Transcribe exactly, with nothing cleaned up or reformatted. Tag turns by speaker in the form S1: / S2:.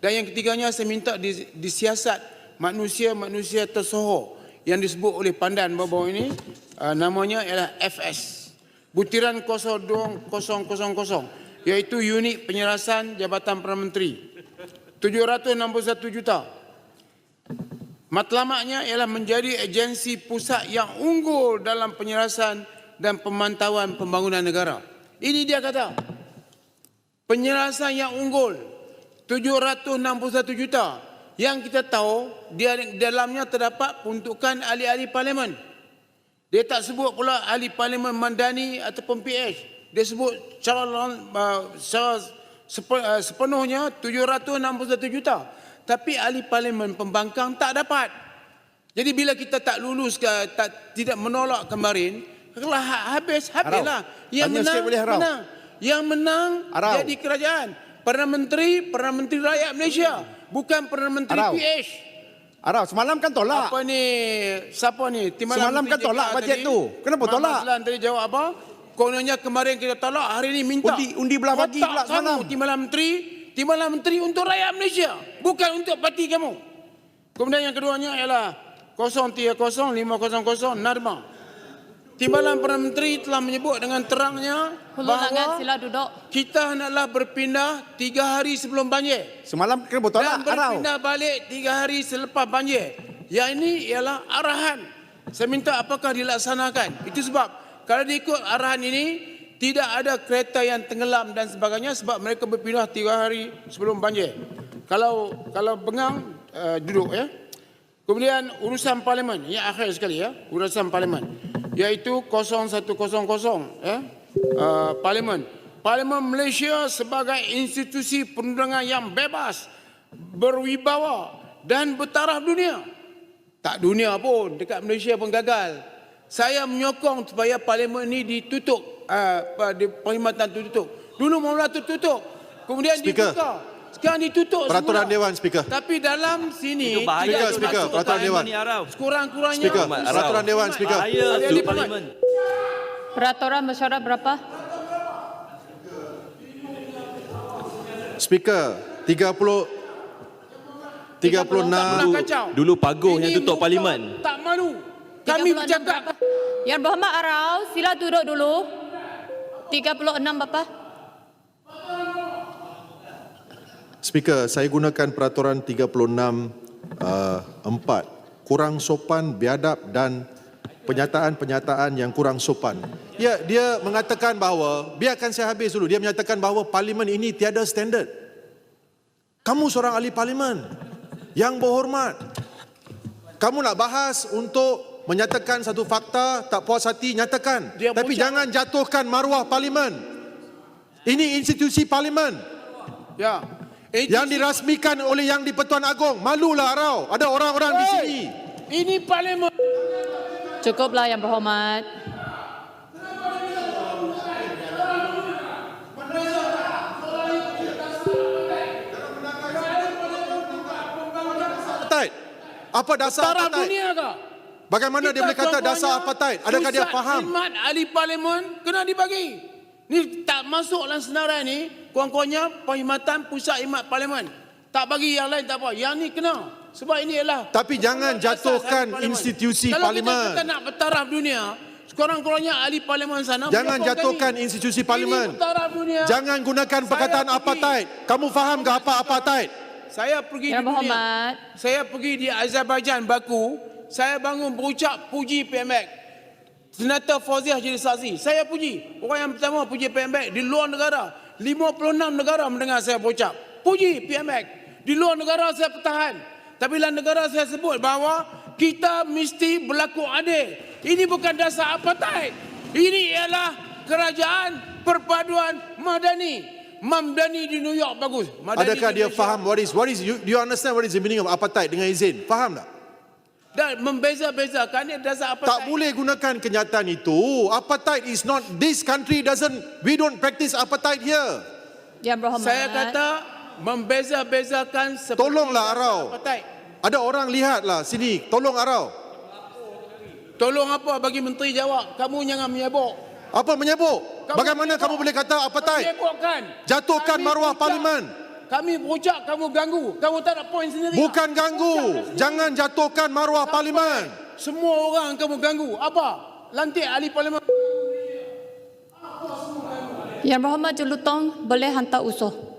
S1: Dan yang ketiganya, saya minta disiasat manusia-manusia tersohor yang disebut oleh pandan bawah ini, uh, namanya ialah F S, butiran kosong dua kosong kosong kosong, iaitu unit penyerasan Jabatan Perdana Menteri, tujuh ratus enam puluh satu juta. Matlamatnya ialah menjadi agensi pusat yang unggul dalam penyerasan dan pemantauan pembangunan negara. Ini dia kata, penyerasan yang unggul, tujuh ratus enam puluh satu juta. Yang kita tahu, dia dalamnya terdapat peruntukan ahli-ahli parlimen. Dia tak sebut pula ahli parlimen Mandani ataupun P H. Dia sebut secara, uh, secara sepenuhnya tujuh ratus enam puluh satu juta. Tapi ahli parlimen pembangkang tak dapat. Jadi bila kita tak lulus, tak, tidak menolak kemarin, kalau habis, habislah. Yang menang, menang. Yang menang Arau. Jadi kerajaan. Perdana Menteri, Perdana Menteri Rakyat Malaysia. Bukan Perdana Menteri Arau. P H.
S2: Arau, semalam kan tolak.
S1: Apa ni? Siapa ni? Timbalan
S2: semalam kan tolak bajet tu. Kenapa tolak?
S1: Mak tadi jawab apa? Kononnya kemarin kita tolak, hari ni minta.
S2: Undi, undi belah bagi pula semalam.
S1: Timbalan Menteri, Timbalan Menteri untuk rakyat Malaysia. Bukan untuk parti kamu. Kemudian yang keduanya ialah kosong tiga kosong lima kosong kosong Narma. Timbalan Perdana Menteri telah menyebut dengan terangnya bahawa
S3: sila duduk.
S1: Kita hendaklah berpindah tiga hari sebelum banjir.
S2: Semalam kena bertolak.
S1: Dan berpindah Arau. balik tiga hari selepas banjir. Yang ini ialah arahan. Saya minta apakah dilaksanakan. Itu sebab kalau diikut arahan ini, tidak ada kereta yang tenggelam dan sebagainya sebab mereka berpindah tiga hari sebelum banjir. Kalau kalau bengang, uh, duduk ya. Kemudian urusan parlimen, yang akhir sekali ya, urusan parlimen, iaitu kosong satu kosong kosong ya, uh, parlimen. Parlimen Malaysia sebagai institusi perundangan yang bebas, berwibawa dan bertaraf dunia. Tak dunia pun, dekat Malaysia pun gagal. Saya menyokong supaya parlimen ini ditutup, uh, di perkhidmatan ditutup. Dulu mula tertutup, kemudian
S2: Speaker.
S1: dibuka. Sekarang ditutup
S2: Peraturan
S1: semula.
S2: Dewan, Speaker.
S1: Tapi dalam sini,
S2: Speaker, Speaker, Peraturan Dewan.
S1: Sekurang-kurangnya.
S2: Speaker, Peraturan Dewan, Speaker.
S3: Peraturan parlimen. Peraturan mesyuarat berapa?
S2: Speaker, tiga puluh tiga puluh enam.
S4: Dulu Paguh yang tutup parlimen.
S1: Tak malu. Kami bercakap.
S3: Yang Berhormat Arau, sila duduk dulu. tiga puluh enam Bapa.
S2: Speaker, saya gunakan peraturan tiga puluh enam uh, empat. Kurang sopan, biadab dan penyataan-penyataan yang kurang sopan. Ya, dia mengatakan bahawa, biarkan saya habis dulu, dia menyatakan bahawa parlimen ini tiada standard. Kamu seorang ahli parlimen yang berhormat. Kamu nak bahas untuk menyatakan satu fakta, tak puas hati, nyatakan. Dia Tapi jangan jatuhkan maruah parlimen. Ini institusi parlimen.
S1: Ya.
S2: Yang dirasmikan oleh Yang di-Pertuan Agong. Malulah Arau. Ada orang-orang di sini.
S1: Ini parlimen.
S3: Cukuplah Yang Berhormat.
S2: Apartheid. Apa dasar
S1: Taraf
S2: apartheid?
S1: dunia ke?
S2: Bagaimana
S1: Kita
S2: dia boleh kata dasar apartheid? Adakah dia faham?
S1: Pusat khidmat ahli parlimen kena dibagi. Ni tak masuk dalam senarai ni, kurang-kurangnya perkhidmatan pusat khidmat parlimen. Tak bagi yang lain tak apa. Yang ni kena. Sebab ini ialah.
S2: Tapi jangan jatuhkan institusi
S1: Kalau
S2: parlimen.
S1: Kalau kita, kita nak bertaraf dunia, sekurang-kurangnya ahli parlimen sana.
S2: Jangan jatuhkan kami. institusi parlimen. Jangan gunakan perkataan apartheid. Kamu faham ke apa apartheid?
S1: Saya pergi
S3: Yang
S1: di dunia.
S3: Berhormat.
S1: Saya pergi di Azerbaijan, Baku. Saya bangun berucap puji P M X. Senator Fauziah jadi saksi. Saya puji. Orang yang pertama puji P M X di luar negara. lima puluh enam negara mendengar saya berucap. Puji P M X. Di luar negara saya pertahan. Tapi dalam negara saya sebut bahawa kita mesti berlaku adil. Ini bukan dasar apartheid. Ini ialah kerajaan perpaduan madani. Mamdani di New York bagus. Madani
S2: Adakah
S1: di
S2: dia
S1: Malaysia.
S2: faham what is what is you, do you understand what is the meaning of apartheid dengan izin? Faham tak?
S1: Dan membeza-bezakan ini dasar apartheid.
S2: Tak boleh gunakan kenyataan itu. Apartheid is not, this country doesn't, we don't practice apartheid here.
S3: Yang Berhormat.
S1: Saya kata membeza-bezakan seperti
S2: Tolonglah Arau.
S1: apartheid.
S2: Ada orang lihatlah sini. Tolong Arau.
S1: Tolong apa bagi menteri jawab. Kamu jangan menyebut.
S2: Apa menyebut?
S1: Kamu
S2: Bagaimana
S1: menyebut.
S2: kamu boleh kata apartheid?
S1: Menyebutkan.
S2: Jatuhkan
S1: Kami
S2: maruah
S1: ucap,
S2: parlimen.
S1: Kami berucap, kamu ganggu. Kamu tak ada poin sendiri.
S2: Bukan ganggu. Jangan jatuhkan maruah parlimen.
S1: Semua orang kamu ganggu. Apa? Lantik ahli parlimen.
S3: Yang Berhormat Jelutong boleh hantar usul.